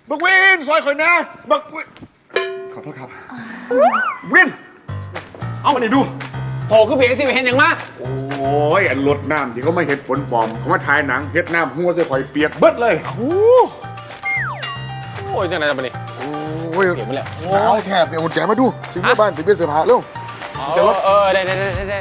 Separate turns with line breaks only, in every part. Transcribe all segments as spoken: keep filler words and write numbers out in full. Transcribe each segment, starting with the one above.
บักวินซอยข่อยนะบักวินขอโทษครับวินเอามานี่ดู
โถคือเพียงสิเห็นอย่างมาก
โอ้ยอันรถน้ำที่เขาไม่เห็นฝนปลอมเขามาถ่ายหนังเฮ็ดน้ำหัวใส่ข่อยเปียกเบิดเลย
โอ้โอ้ยจังไหนจะไปนี่
โอ้ย
เปียกไปแล้ว
หนาวแทบเดี๋ยวกุญแจมาดูถึงที่บ้านถึงเป็นเสื้อผ้าเร็ว
จะรถเออได้ได้ได้ได้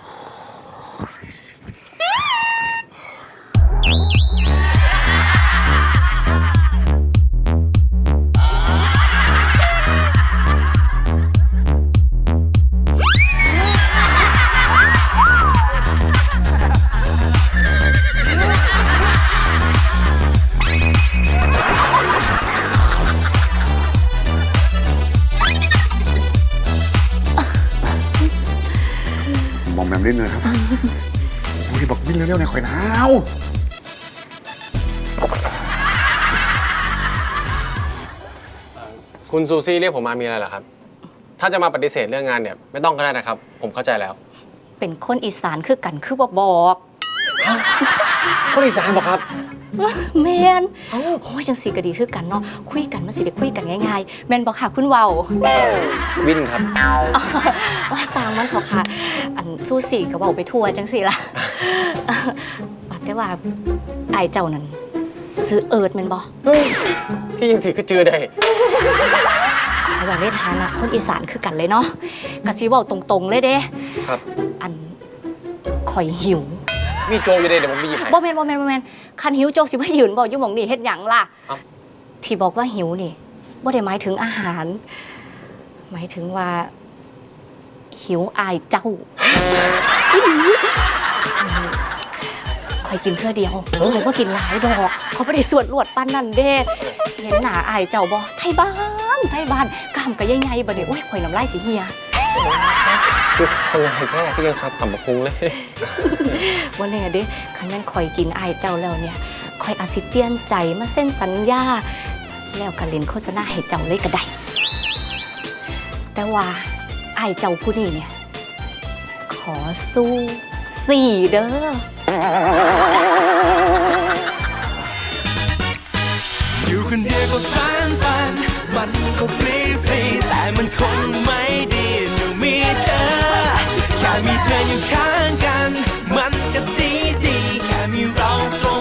มองแมมนิดนึงครับโอ้ยบอกวิ่งเร็วๆในข่อยหนาว
คุณซูซี่เรียกผมมามีอะไรเหรอครับถ้าจะมาปฏิเสธเรื่องงานเนี่ยไม่ต้องก็ได้นะครับผมเข้าใจแล้ว
เป็นคนอีสานคือกันคือบอกบอก
คนอีสานบอกครับ
แมนโอ้ยจังสีก็ดีคือกันเนาะคุยกันมันสิได้คุยกันง่ายๆแมนบอกค่ะคุณเว้า
วินครับ
ว่าสร้างมันเถอะค่ะอันสู้สีก็บอกไปทั่วจังสีล่ะแต่ว่าไอเจ้านั้นซื้อเอิร์ดแมนบอก
ที่ยังสีคือเจือได้
ขอบอกในฐานะคนอีสานคือกันเลยเนาะกะซีบอกตรงๆเลยเด้
ครับ
อันข่อยหิว
มีโจอยู่ได้เดี๋ยวผมไปหยิบให้
บ่แมนบ่แมนบ่แมนคันหิวโจสิบ่ยืนบอกอยู่หม่องนี่เฮ็ดหยังล่ะที่บอกว่าหิวนี่บ่ได้หมายถึงอาหารหมายถึงว่าหิวอายเจ้าข่อยกินเพื่อเดียวข่อยบ่กินหลายดอกเขาบ่ได้สวดลวดปานนั้นเด้เห็นหน้าอายเจ้าบ่ไทบ้านไทบ้านกล้ามก็ใหญ่ๆบัดนี้โอ้ยข่อยน้ำลายสิเหี่ย
คือคนไรแค่ที่ยังซับต่ำบักพุงเลย
ว่าเนี่ยเด้คันแม่นข่อยกินอายเจ้าแล้วเนี่ยข่อยอาจสิเปลี่ยนใจมาเส้นสัญญาแล้วก็เล่นโฆษณาให้เจ้าเลยก็ได้แต่ว่าอายเจ้าผู้นี้เนี่ยขอสู้สี่เด้อ
อยู่คนเดียวก็ฟันฟันมันก็ฟรีฟรีแต่มันคงไม่ดีจะมีเธอแค่มีเธออยู่ข้างกันมันก็ดีดีแค่มีเราตรง